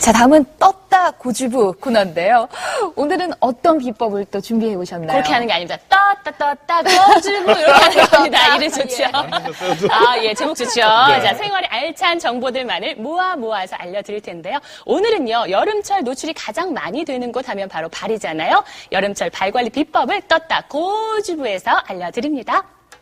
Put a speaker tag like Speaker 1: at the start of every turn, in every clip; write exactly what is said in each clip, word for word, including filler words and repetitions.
Speaker 1: 자, 다음은 떴다 고주부 코너인데요. 오늘은 어떤 비법을 또 준비해 오셨나요?
Speaker 2: 그렇게 하는 게 아닙니다. 떴다 떴다 고주부 이렇게 하는 겁니다. 이름 좋죠. 아, 예, 제목 좋죠. 네. 자, 생활의 알찬 정보들만을 모아 모아서 알려드릴 텐데요. 오늘은요, 여름철 노출이 가장 많이 되는 곳 하면 바로 발이잖아요. 여름철 발 관리 비법을 떴다 고주부에서 알려드립니다.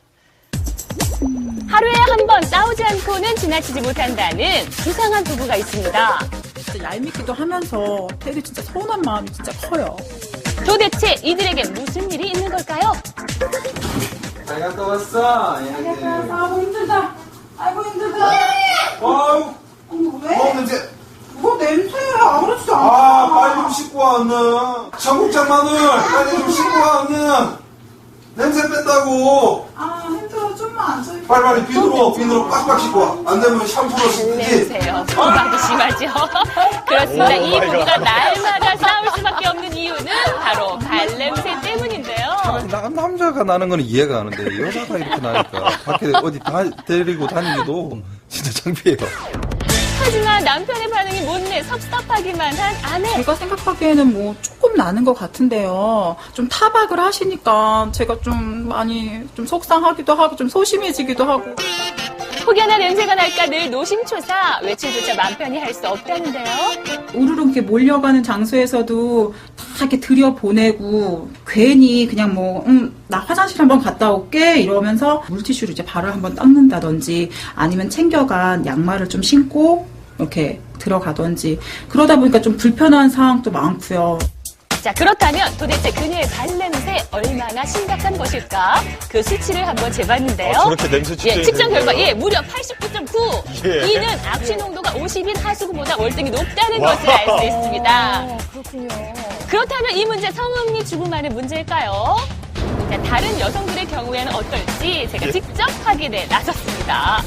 Speaker 2: 하루에 한 번 싸우지 않고는 지나치지 못한다는 수상한 부부가 있습니다.
Speaker 3: 진짜 얄밉기도 하면서 되게 진짜 서운한 마음이 진짜 커요.
Speaker 2: 도대체 이들에게 무슨 일이 있는 걸까요?
Speaker 4: 잘 갔다 왔어.
Speaker 3: 잘 갔다 왔어. 아이고 힘들다. 아이고 힘들다.
Speaker 4: 아우.
Speaker 3: 왜?
Speaker 4: 뭐 냄새?
Speaker 3: 뭐 냄새야. 아무렇지도 않아.
Speaker 4: 아, 빨리 좀 씻고 와, 얼른. 청국장 마늘, 빨리 좀 씻고 와, 얼른. 냄새 뺐다고.
Speaker 3: 아, 힘들어. 좀만 앉아.
Speaker 4: 빨리 빨리 비누로, 비누로 빡빡 씻고 와. 안 되면 샴푸로 씻지.
Speaker 2: 냄새요. 부각이 심하죠. 그렇습니다. 이 부부가 날마다 싸울 수밖에 없는 이유는 바로 발냄새 때문인데요.
Speaker 5: 나, 남자가 나는 건 이해가 가는데 여자가 이렇게 나니까 밖에 어디 다 데리고 다니기도 진짜 창피해요.
Speaker 2: 하지만 남편의 반응이 못내 섭섭하기만 한 아내.
Speaker 3: 제가 생각하기에는 뭐 조금 나는 것 같은데요. 좀 타박을 하시니까 제가 좀 많이 좀 속상하기도 하고 좀 소심해지기도 하고.
Speaker 2: 혹여나 냄새가 날까 늘 노심초사, 외출조차 맘 편히 할 수 없다는데요.
Speaker 3: 우르르 이렇게 몰려가는 장소에서도 다 이렇게 들여보내고 괜히 그냥 뭐, 음, 나 화장실 한번 갔다 올게 이러면서 물티슈로 이제 발을 한번 닦는다든지 아니면 챙겨간 양말을 좀 신고 이렇게 들어가든지 그러다 보니까 좀 불편한 상황도 많고요.
Speaker 2: 자, 그렇다면 도대체 그녀의 발냄새 얼마나 심각한 것일까? 그 수치를 한번 재봤는데요.
Speaker 6: 아, 저렇게 냄새 측정이
Speaker 2: 예, 측정 결과,
Speaker 6: 되는데요?
Speaker 2: 예, 무려 팔십구 점 구.
Speaker 6: 예.
Speaker 2: 이는 악취 농도가 오십인 하수구보다 월등히 높다는 것을 알 수 있습니다.
Speaker 1: 어, 그렇군요.
Speaker 2: 그렇다면 이 문제 성음리 주부만의 문제일까요? 자, 다른 여성들의 경우에는 어떨지 제가
Speaker 6: 예.
Speaker 2: 직접 확인해 나섰습니다.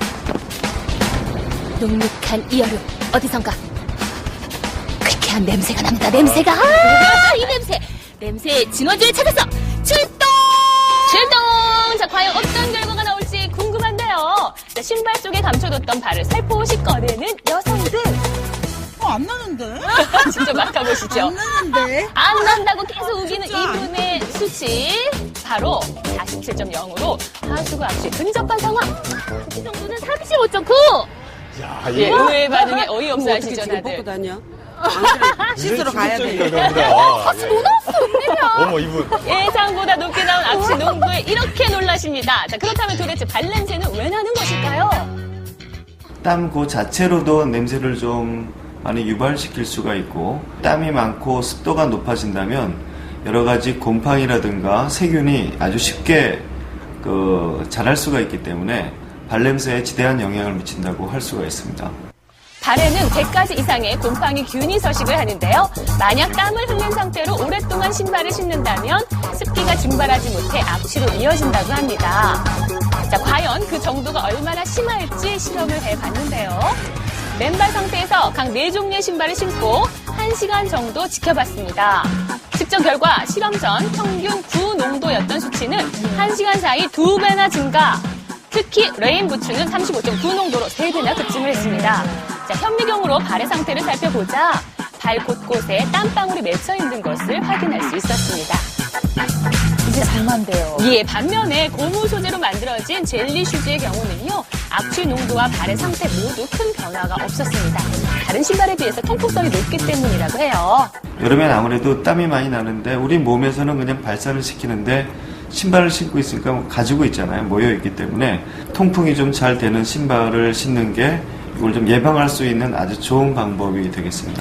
Speaker 2: 눅눅한 이 여름, 어디선가 쾌쾌한 냄새가 납니다. 냄새가. 아, 이 냄새. 냄새의 진원지를 찾아서 출동! 출동! 자, 과연 어떤 결과가 나올지 궁금한데요. 자, 신발 속에 감춰뒀던 발을 살포시 꺼내는 여성들.
Speaker 3: 어, 안 나는데?
Speaker 2: 직접 맡아보시죠.
Speaker 3: 안 나는데?
Speaker 2: 안 난다고 계속 우기는 이분의 수치. 바로 사십칠 점 영으로 하수구 악취에 근접한 상황. 이 정도는 삼십오 점 구.
Speaker 6: 야,
Speaker 2: 예,
Speaker 6: 이거
Speaker 2: 의외의 반응에 어이없어 하시죠,
Speaker 7: 지금
Speaker 2: 다들.
Speaker 7: 뽑고 다녀? 씻으러 가야 돼.
Speaker 6: 결과입니다.
Speaker 2: 같이 뭐 나왔어, 웬일이야.
Speaker 6: 어머, 이분.
Speaker 2: 예상보다 높게 나온 악취 농도에 이렇게 놀라십니다. 자, 그렇다면 도대체 발냄새는 왜 나는 것일까요?
Speaker 8: 땀 그 자체로도 냄새를 좀 많이 유발시킬 수가 있고, 땀이 많고 습도가 높아진다면 여러 가지 곰팡이라든가 세균이 아주 쉽게 그 자랄 수가 있기 때문에 발냄새에 지대한 영향을 미친다고 할 수가 있습니다.
Speaker 2: 발에는 백 가지 이상의 곰팡이 균이 서식을 하는데요. 만약 땀을 흘린 상태로 오랫동안 신발을 신는다면 습기가 증발하지 못해 악취로 이어진다고 합니다. 자, 과연 그 정도가 얼마나 심할지 실험을 해봤는데요. 맨발 상태에서 각 네 종류의 신발을 신고 한 시간 정도 지켜봤습니다. 측정 결과 실험 전 평균 구 농도였던 수치는 한 시간 사이 두 배나 증가. 특히 레인 부츠는 삼십오 점 구 농도로 세 배나 급증을 했습니다. 자, 현미경으로 발의 상태를 살펴보자 발 곳곳에 땀방울이 맺혀 있는 것을 확인할 수 있었습니다.
Speaker 1: 이제 장만돼요.
Speaker 2: 예, 반면에 고무 소재로 만들어진 젤리 슈즈의 경우는요, 악취 농도와 발의 상태 모두 큰 변화가 없었습니다. 다른 신발에 비해서 통풍성이 높기 때문이라고 해요.
Speaker 8: 여름엔 아무래도 땀이 많이 나는데 우리 몸에서는 그냥 발산을 시키는데 신발을 신고 있으니까 가지고 있잖아요. 모여있기 때문에 통풍이 좀 잘 되는 신발을 신는 게 이걸 좀 예방할 수 있는 아주 좋은 방법이 되겠습니다.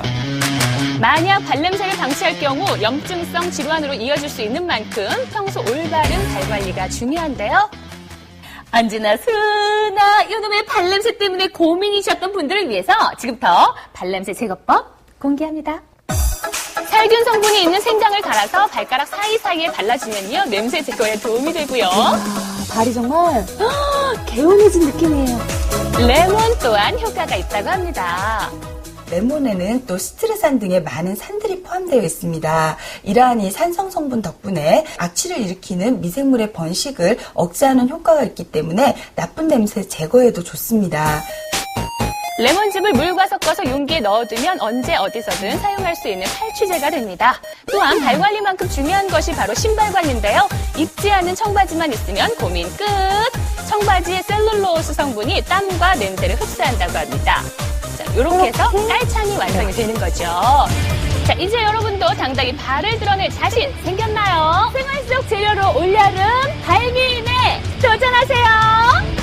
Speaker 2: 만약 발냄새를 방치할 경우 염증성 질환으로 이어질 수 있는 만큼 평소 올바른 발 관리가 중요한데요. 언제나 수나 이놈의 발냄새 때문에 고민이셨던 분들을 위해서 지금부터 발냄새 제거법 공개합니다. 살균 성분이 있는 생강을 갈아서 발가락 사이사이에 발라주면요, 냄새 제거에 도움이 되고요.
Speaker 1: 발이 정말 개운해진 느낌이에요.
Speaker 2: 레몬 또한 효과가 있다고 합니다.
Speaker 9: 레몬에는 또 스트레산 등의 많은 산들이 포함되어 있습니다. 이러한 이 산성 성분 덕분에 악취를 일으키는 미생물의 번식을 억제하는 효과가 있기 때문에 나쁜 냄새 제거에도 좋습니다.
Speaker 2: 레몬즙을 물과 섞어서 용기에 넣어두면 언제 어디서든 사용할 수 있는 탈취제가 됩니다. 또한 발 관리만큼 중요한 것이 바로 신발 관리인데요. 입지 않은 청바지만 있으면 고민 끝! 청바지의 셀룰로스 성분이 땀과 냄새를 흡수한다고 합니다. 자, 이렇게 해서 깔창이 완성이 되는 거죠. 자, 이제 여러분도 당당히 발을 드러낼 자신 생겼나요? 생활 속 재료로 올여름 발기인에 도전하세요!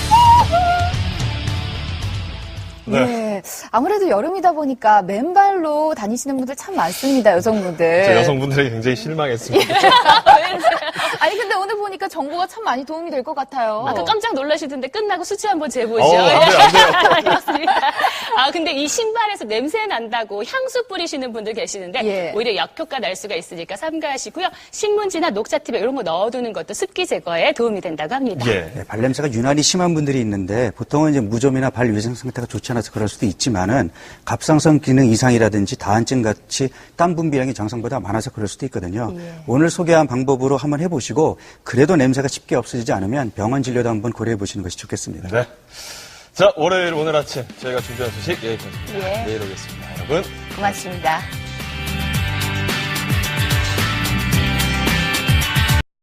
Speaker 6: 네.
Speaker 1: 네. 아무래도 여름이다 보니까 맨발로 다니시는 분들 참 많습니다, 여성분들.
Speaker 6: 저 여성분들에게 굉장히 실망했습니다.
Speaker 1: 아니, 근데 오늘 보니까 정보가 참 많이 도움이 될 것 같아요.
Speaker 2: 아까 깜짝 놀라시던데 끝나고 수치 한번 재보죠.
Speaker 6: 어, 안 돼요, 안 돼요.
Speaker 2: 알겠습니다. 아, 근데 이 신발에서 냄새 난다고 향수 뿌리시는 분들 계시는데
Speaker 1: 예.
Speaker 2: 오히려 역효과 날 수가 있으니까 삼가하시고요. 신문지나 녹차팁에 이런 거 넣어두는 것도 습기 제거에 도움이 된다고 합니다.
Speaker 6: 예.
Speaker 10: 네, 발냄새가 유난히 심한 분들이 있는데 보통은 이제 무좀이나 발 위생 상태가 좋지 않아서 그럴 수도 있지만은 갑상선 기능 이상이라든지 다한증 같이 땀 분비량이 정상보다 많아서 그럴 수도 있거든요.
Speaker 1: 예.
Speaker 10: 오늘 소개한 방법으로 한번 해보시고 그래도 냄새가 쉽게 없어지지 않으면 병원 진료도 한번 고려해 보시는 것이 좋겠습니다.
Speaker 6: 네. 자, 월요일 오늘 아침 저희가 준비한 소식 여기까지입니다.
Speaker 1: 예.
Speaker 6: 내일 오겠습니다. 여러분.
Speaker 1: 고맙습니다.